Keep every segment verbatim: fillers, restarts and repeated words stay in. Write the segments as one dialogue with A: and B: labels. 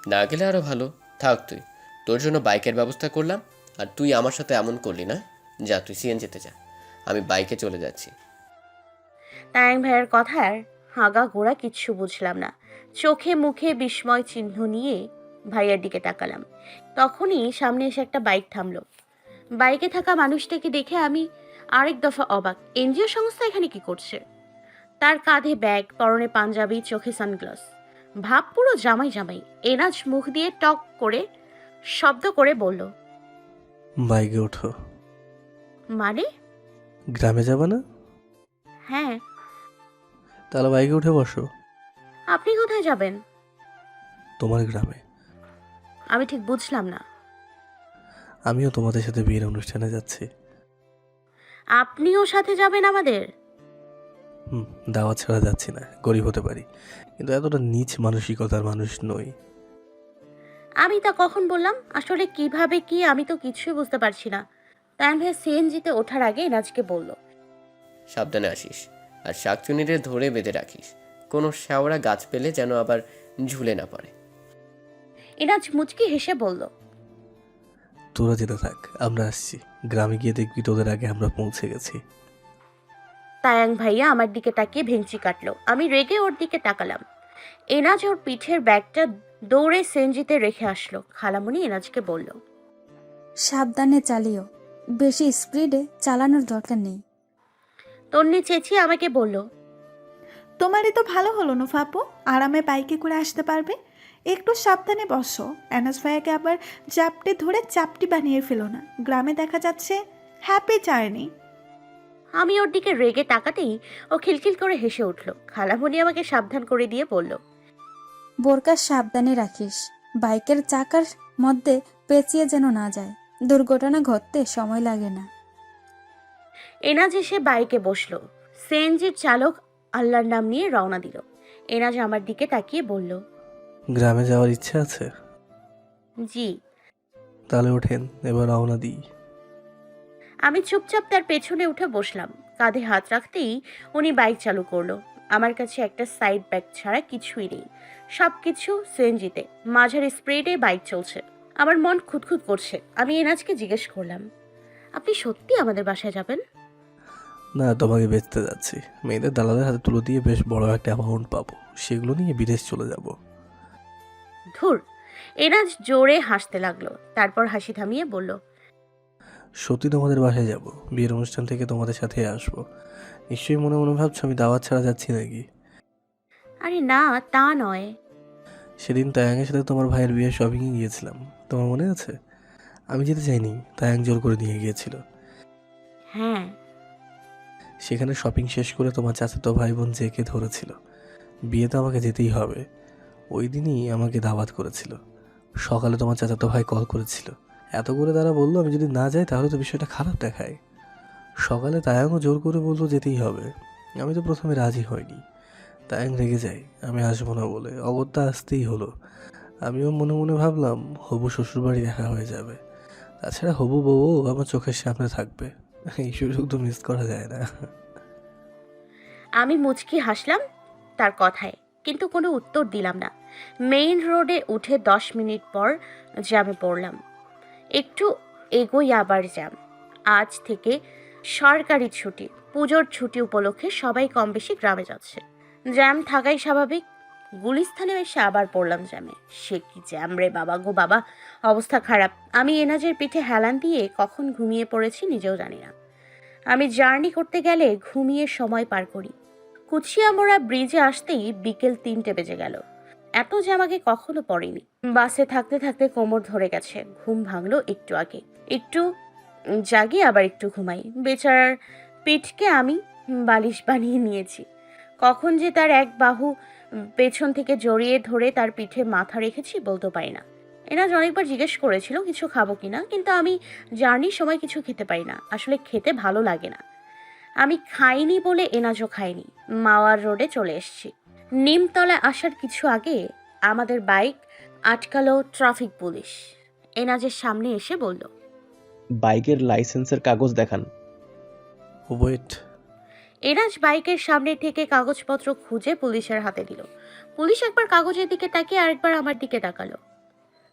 A: না গেলে আরও ভালো। থাক তুই, তোর জন্য বাইকের ব্যবস্থা করলাম। আর তুই আমার সাথে এমন করলি না। যা, তুই সিএনজিতে যা, আমি বাইকে চলে যাচ্ছি।
B: তায়াং ভাইয়ের কথার হাগা ঘোড়া কিচ্ছু বুঝলাম না। চোখে মুখে বিস্ময় চিহ্ন নিয়ে ভাইয়ার দিকে তাকালাম। তখনই সামনে এসে একটা বাইক থামলো। বাইকে থাকা মানুষটাকে দেখে আমি আরেক দফা অবাক। এনজিও সংস্থা এখানে কি করছে? তার কাঁধে ব্যাগ, পরনে পাঞ্জাবি, চোখে সানগ্লাস, ভাব পুরো জামাই জামাই। এনাজ মুখ দিয়ে টক করে শব্দ করে বলল,
C: বাইকে ওঠো।
B: মানে?
C: গ্রামে যাবে না?
B: হ্যাঁ।
C: তাহলে বাইকে উঠে বসো।
B: আপনি কোথায় যাবেন?
C: তোমার গ্রামে।
B: আমি ঠিক বুঝলাম না।
C: আমিও তোমাদের সাথে বিয়ের অনুষ্ঠানে যাচ্ছি।
B: আপনিও সাথে যাবেন আমাদের?
C: হুম, দাওয়াত ছাড়া যাচ্ছি না। গরিব হতে পারি, কিন্তু এতটা নীচ মানসিকতার মানুষ নই।
B: আমি তা কখন বললাম? আসলে কিভাবে কি আমি তো কিছুই বুঝতে পারছি না। তাইম ভাই সিএনজিতে ওঠার আগে এনাজকে বলল,
A: সাবধানে আসিস, আর শাকচুনিরে ধরে বেঁধে রাখিস। কোনো শ্যাওড়া গাছ পেলে যেন আবার ঝুলে না পড়ে।
B: এনাজ মুচকি হেসে বলল,
C: তোরা যেতে থাক, আমরা আসছি। গ্রামে গিয়ে দেখবি তোদের আগে আমরা পৌঁছে গেছি।
B: তায়াং ভাইয়া আমার দিকে তাকিয়ে ভেঙচি কাটলো। আমি রেগে ওর দিকে তাকালাম। এনাজ ওর পিঠের ব্যাগটা দৌড়ে সিএনজিতে রেখে আসলো। খালামণি এনাজকে বলল,
D: সাবধানে চালিও, বেশি স্পিডে চালানোর দরকার নেই।
B: তন্নি চেঁচিয়ে আমাকে বলল,
E: তোমারই তো ভালো হলো না ফাপু, আরামে বাইকে করে আসতে পারবে। একটু সাবধানে বসো, অ্যানাস ভাইয়াকে আবার চাপটে ধরে চাপটি বানিয়ে ফেলো না। গ্রামে দেখা যাচ্ছে হ্যাপি জার্নি।
B: আমি ওর দিকে রেগে তাকাতেই ও খিলখিল করে হেসে উঠল। খালামণি আমাকে সাবধান করে দিয়ে বলল,
D: বোরকা সাবধানে রাখিস, বাইকের চাকার মধ্যে পেঁচিয়ে যেন না যায়। দুর্ঘটনা ঘটতে সময় লাগে না।
B: এনাজ এসে বাইকে বসলো। সিএনজির চালক আল্লাহর নাম নিয়ে রওনা দিল। এনাজ আমার দিকে তাকিয়ে বলল,
C: গ্রামে যাওয়ার ইচ্ছে আছে?
B: জি।
C: তাহলে ওঠেন, এবার রওনা দিই।
B: আমি চুপচাপ তার পেছনে উঠে বসলাম। কাঁধে হাত রাখতেই উনি বাইক চালু করলো। আমার কাছে একটা সাইড ব্যাগ ছাড়া কিছুই নেই। সব কিছু সিএনজিতে, মাঝারি স্প্রিডে বাইক চলছে। আমার মন খুঁতখুত করছে। আমি এনাজকে জিজ্ঞেস করলাম, আপনি সত্যি আমাদের বাসায় যাবেন?
C: না, তোমাকে বেচতে যাচ্ছি। মেয়েদের দালালের হাতে তুলে দিয়ে বেশ বড় একটা অ্যামাউন্ট পাবো, সেগুলো নিয়ে বিদেশ চলে যাব।
B: ধুর। এনাজ জোরে হাসতে লাগলো। তারপর হাসি থামিয়ে বলল,
C: সত্যি তোমাদের বাসায় যাব, বিয়ের অনুষ্ঠান থেকে তোমাদের সাথে আসবো। নিশ্চয়ই মনে মনে ভাবছো আমি দাওয়াত ছাড়া যাচ্ছি নাকি।
B: আরে না, তা নয়।
C: সেদিন তায়াংয়ের সাথে তোমার ভাইয়ের বিয়ে শপিংয়ে গিয়েছিলাম, তোমার মনে আছে? আমি যেতে চাইনি, তায়াং জোর করে নিয়ে গিয়েছিল।
B: হ্যাঁ।
C: সেখানে শপিং শেষ করে তোমার চাচাতো ভাই বোন জেকে ধরেছিল, বিয়ে তো আমাকে যেতেই হবে। ওই দিনই আমাকে দাওয়াত করেছিল। সকালে তোমার চাচাতো ভাই কল করেছিল, এত করে তারা বললো আমি যদি না যাই তাহলে তো বিষয়টা খারাপ দেখায়। সকালে তায়াংও জোর করে বললো যেতেই হবে। আমি তো প্রথমে রাজি হয়নি। তায়াং রেগে যায় আমি আসবো না বলে, অগত্যা আসতেই হলো। আমিও মনে মনে ভাবলাম হবু শ্বশুরবাড়ি দেখা হয়ে যাবে, তাছাড়া হবু বউও আমার চোখের সামনে থাকবে। এই সুযোগ তো মিস করা যায় না।
B: আমি মুচকি হাসলাম তার কথায়, কিন্তু কোনো উত্তর দিলাম না। মেইন রোডে উঠে দশ মিনিট পর জ্যামে পড়লাম। একটু এগোই আবার জ্যাম। আজ থেকে সরকারি ছুটি, পুজোর ছুটি উপলক্ষে সবাই কম বেশি গ্রামে যাচ্ছে। জ্যাম থাকাই স্বাভাবিক। গুলিস্থানে এসে আবার পড়লাম জ্যামে। সে কি জ্যাম রে বাবা গো বাবা, অবস্থা খারাপ। আমি এনাজের পিঠে হেলান দিয়ে কখন ঘুমিয়ে পড়েছি নিজেও জানি না। আমি জার্নি করতে গেলে ঘুমিয়ে সময় পার করি। কুচিয়ামোড়া ব্রিজে আসতেই বিকেল তিনটে বেজে গেল। এত জ্যাম আগে কখনো পড়েনি। বাসে থাকতে থাকতে কোমর ধরে গেছে। ঘুম ভাঙলো একটু আগে। একটু জাগি আবার একটু ঘুমাই। বেচারার পিঠকে আমি বালিশ বানিয়ে নিয়েছি। কখন যে তার এক বাহু পেছন থেকে জড়িয়ে ধরে তার পিঠে মাথা রেখেছি বলতে পারি না। এনাজ অনেকবার জিজ্ঞেস করেছিল কিছু খাবো কিনা, কিন্তু আমি জার্নির সময় কিছু খেতে পারি না। আসলে খেতে ভালো লাগে না। আমি খাইনি বলে এনাজও খাইনি। মাওয়ার রোডে চলে এসেছি। নিমতলা আসার কিছু আগে আমাদের বাইক আটকালো ট্রাফিক পুলিশ। এনাজের সামনে এসে বলল,
F: বাইকের লাইসেন্সের কাগজ দেখান।
C: ওয়েট।
B: এনাজ বাইকের সামনে থেকে কাগজপত্র খুঁজে পুলিশের হাতে দিল। পুলিশ একবার কাগজের দিকে তাকিয়ে আরেকবার আমার দিকে তাকালো।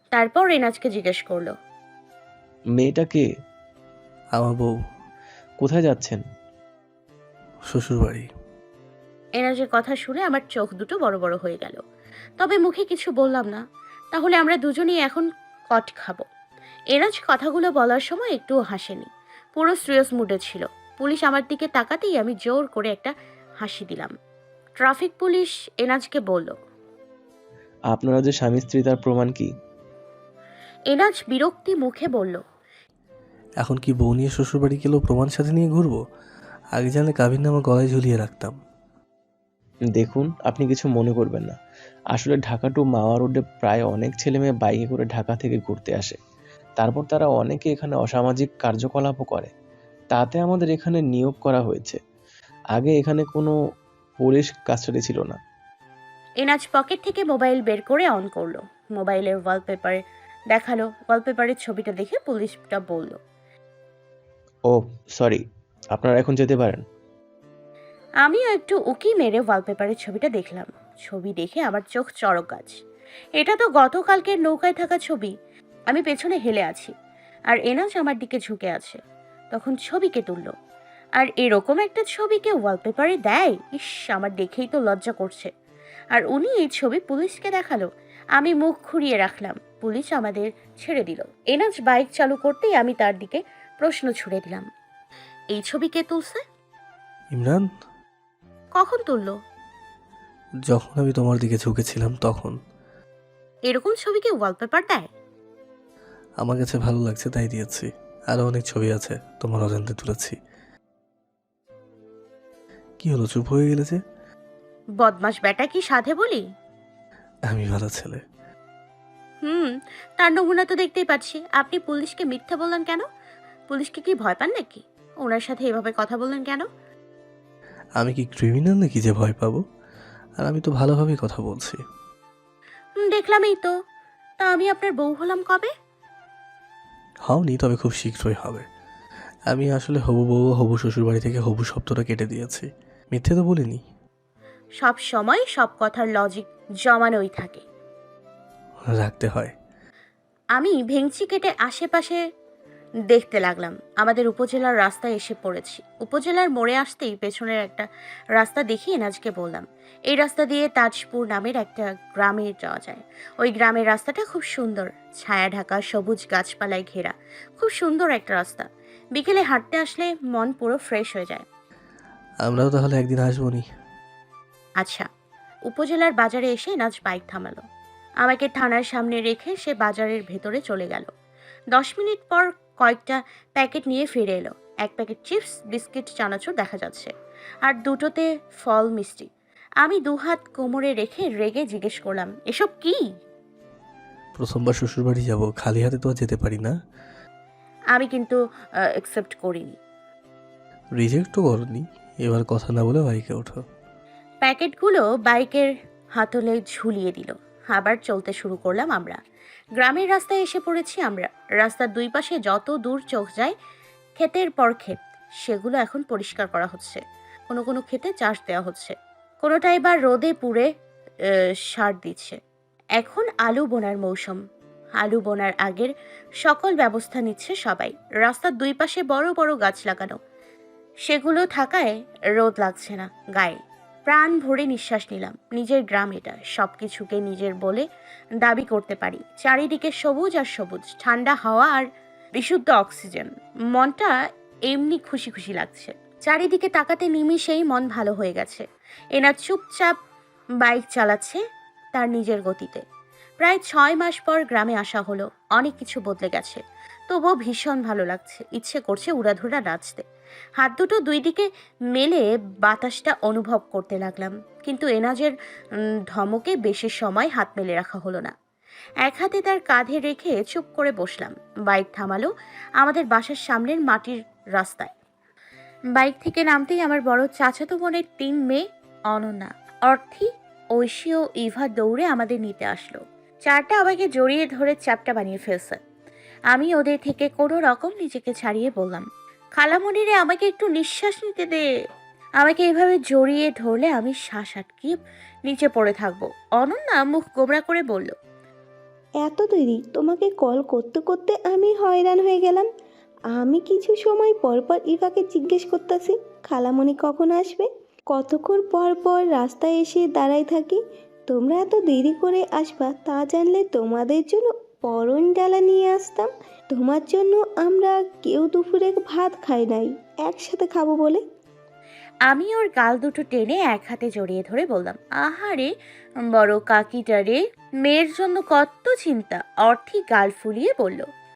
B: তারপর এনাজকে জিজ্ঞেস করলো,
F: মেয়েটা কে?
C: আমার বউ।
F: কোথায় যাচ্ছেন?
C: শ্বশুরবাড়ি।
B: এনাজের কথা শুনে আমার চোখ দুটো বড় বড় হয়ে গেল, তবে মুখে কিছু বললাম না। তাহলে আমরা দুজনেই এখন কট খাবো। এনাজ কথাগুলো বলার সময় একটুও হাসেনি, পুরো সিরিয়াস মুডে ছিল। পুলিশ আমার দিকে তাকাতেই আমি জোর করে একটা হাসি দিলাম। ট্রাফিক পুলিশ এনাজকে বলল,
F: আপনারা যে স্বামী স্ত্রী তার প্রমাণ কি?
B: এনাজ বিরক্তি মুখে বলল,
C: এখন কি বউ নিয়ে শ্বশুরবাড়ি গেলেও প্রমাণ সাথে নিয়ে ঘুরবো? আগে জানলে কাবিন নামা গলায় ঝুলিয়ে রাখতাম।
F: দেখুন, আপনি কিছু মনে করবেন না। আসলে ঢাকা টু মাওয়া রোডে প্রায় অনেক ছেলে মেয়ে বাইকে করে ঢাকা থেকে ঘুরতে আসে। তারপর তারা অনেকে এখানে অসামাজিক কার্যকলাপও করে। তাতে আমাদের এখানে নিয়োগ করা হয়েছে। আগে এখানে কোনো পুলিশ কাস্টাডি ছিল না।
B: এনাজ পকেট থেকে মোবাইল বের করে অন করলো। মোবাইলের ওয়ালপেপার দেখালো। ওয়ালপেপারের ছবিটা দেখে পুলিশটা বলল,
F: ও সরি, আপনারা এখন যেতে পারেন।
B: আমিও একটু উকি মেরে ওয়ালপেপারের ছবিটা দেখলাম। ছবি দেখে আমার চোখ চড়ক গাছ। এটা তো গতকালকের নৌকায় থাকা ছবি। আমি পেছনে হেলে আছি আর এনাজ আমার দিকে ঝুঁকে আছে। তখন ছবিকে তুললো, আর এরকম একটা ছবিকে ওয়ালপেপারে দেয়? ইস, আমার দেখেই তো লজ্জা করছে। আর উনি এই ছবি পুলিশকে দেখালো। আমি মুখ ঘুরিয়ে রাখলাম। পুলিশ আমাদের ছেড়ে দিল। এনাজ বাইক চালু করতেই আমি তার দিকে প্রশ্ন ছুড়ে দিলাম, এই ছবি কে তুলছে?
C: ইমরান,
B: কখন তুললো?
C: যখন আমি তোমার দিকে ঝুঁকেছিলাম তখন।
B: এরকম ছবিকে ওয়ালপেপার দেয়?
C: আমার কাছে ভালো লাগছে তাই দিয়েছি। আরো অনেক ছবি আছে তোমার অজান্তে তুলেছি। কি হলো, চুপ হয়ে গেলে যে?
B: বদমাস বেটা কি সাধে বলি?
C: আমি ভালো ছেলে।
B: হুম, তার নমুনা তো দেখতেই পাচ্ছি। আপনি পুলিশকে মিথ্যা বললেন কেন? পুলিশকে কি ভয় পান নাকি? ওনার সাথে এভাবে কথা বললেন কেন?
C: আমি কি ক্রিমিনাল নাকি যে ভয় পাবো? আর আমি তো ভালোভাবেই কথা বলছি।
B: হুম, দেখলামই তো। তা আমি আপনার বউ হলাম কবে?
C: হওনি, তবে খুব শীঘ্রই হবে। আমি আসলে হবু বউ ও হবু শ্বশুরবাড়ি থেকে হবু শব্দটা কেটে দিয়েছি। মিথ্যে তো বলিনি।
B: সব সময় সব কথার লজিক জমানোই থাকে।
C: রাখতে হয়।
B: আমি ভেংচি কেটে আশেপাশে দেখতে লাগলাম। আমাদের উপজেলার রাস্তায় এসে পড়েছি। উপজেলার মোড়ে আসতেই পেছনের একটা রাস্তা দেখি এনাজকে বললাম, এই রাস্তা দিয়ে তাজপুর নামের একটা গ্রামে যাওয়া যায়। ওই গ্রামের রাস্তাটা খুব সুন্দর, ছায়া ঢাকা সবুজ গাছপালায় ঘেরা। খুব সুন্দর একটা রাস্তা। বিকেলে হাঁটতে আসলে মন পুরো ফ্রেশ হয়ে যায়।
C: আমরাও তাহলে একদিন আসবো নি।
B: আচ্ছা। উপজেলার বাজারে এসে এনাজ বাইক থামালো। আমাকে থানার সামনে রেখে সে বাজারের ভেতরে চলে গেল। দশ মিনিট পর কয়েকটা প্যাকেট নিয়ে ফিরে এলো। এক প্যাকেট চিপস, বিস্কিট, চানাচুর দেখা যাচ্ছে, আর দুটোতে ফল মিষ্টি। আমি দুহাত কোমরে রেখে রেগে জিজ্ঞেস করলাম, এসব কি?
C: প্রথমবার শ্বশুরবাড়ি যাব, খালি হাতে তো আর যেতে পারি না।
B: আমি কিন্তু অ্যাকসেপ্ট করিনি।
C: রিজেক্টও করনি। এবার কথা না বলে বাইকে ওঠো।
B: প্যাকেটগুলো বাইকের হাতলে ঝুলিয়ে দিল। আবার চলতে শুরু করলাম আমরা। গ্রামের রাস্তায় এসে পড়েছি আমরা। রাস্তার দুই পাশে যত দূর চোখ যায় ক্ষেতের পর ক্ষেত। সেগুলো এখন পরিষ্কার করা হচ্ছে। কোনো কোনো ক্ষেতে চাষ দেওয়া হচ্ছে, কোনোটা এবার রোদে পুড়ে আহ, সার দিচ্ছে। এখন আলু বোনার মৌসুম। আলু বোনার আগের সকল ব্যবস্থা নিচ্ছে সবাই। রাস্তার দুই পাশে বড় বড় গাছ লাগানো, সেগুলো থাকায় রোদ লাগছে না গায়ে। প্রাণ ভরে নিঃশ্বাস নিলাম। নিজের গ্রাম এটা, সব কিছুকে নিজের বলে দাবি করতে পারি। চারিদিকে সবুজ আর সবুজ, ঠান্ডা হাওয়া আর বিশুদ্ধ অক্সিজেন। মনটা এমনি খুশি খুশি লাগছে। চারিদিকে তাকাতে নিমিষেই মন ভালো হয়ে গেছে। এনা চুপচাপ বাইক চালাচ্ছে তার নিজের গতিতে। প্রায় ছয় মাস পর গ্রামে আসা হলো। অনেক কিছু বদলে গেছে, তবুও ভীষণ ভালো লাগছে। ইচ্ছে করছে উড়াধুরা নাচতে। হাত দুটো দুই দিকে মেলে বাতাসটা অনুভব করতে লাগলাম। কিন্তু এনাজের উম, ধমকে বেশি সময় হাত মেলে রাখা হলো না। এক হাতে তার কাঁধে রেখে চুপ করে বসলাম। বাইক থামালো আমাদের বাসার সামনের মাটির রাস্তায়। বাইক থেকে নামতেই আমার বড় চাচাতো বোনের তিন মেয়ে, অনন্যা, অর্থী, ঐশী ও ইভা দৌড়ে আমাদের নিতে আসলো। চারটা আমাকে জড়িয়ে ধরে চ্যাপটা বানিয়ে ফেলছে। আমি ওদের থেকে কোনো রকম নিজেকে ছাড়িয়ে বললাম, খালামণিরে আমাকে একটু নিঃশ্বাস নিতে দে। আমাকে এভাবে জড়িয়ে ধরলে আমি শ্বাস আটকিয়ে নিচে পড়ে থাকবো। অনন্যা মুখ গোমরা করে বলল,
G: এত দেরি, তোমাকে কল করতে করতে আমি হয়রান হয়ে গেলাম। আমি কিছু সময় পর পর ইভাকে জিজ্ঞেস করতেছি খালামণি কখন আসবে, কতক্ষণ পর পর রাস্তায় এসে দাঁড়াই থাকি। তোমরা এত দেরি করে আসবা তা জানলে তোমাদের জন্য পরন ডালা নিয়ে আসতাম। তোমার জন্য আমরা কেউ দুপুরে ভাত খাই নাই, একসাথে খাবো বলে।
B: আমি ওর গাল দুটো টেনে এক হাতে জড়িয়ে ধরে বললাম, আহারে বড় কাকিটারে, মেয়ের জন্য কত চিন্তা। অর্থী গাল ফুলিয়ে বলল,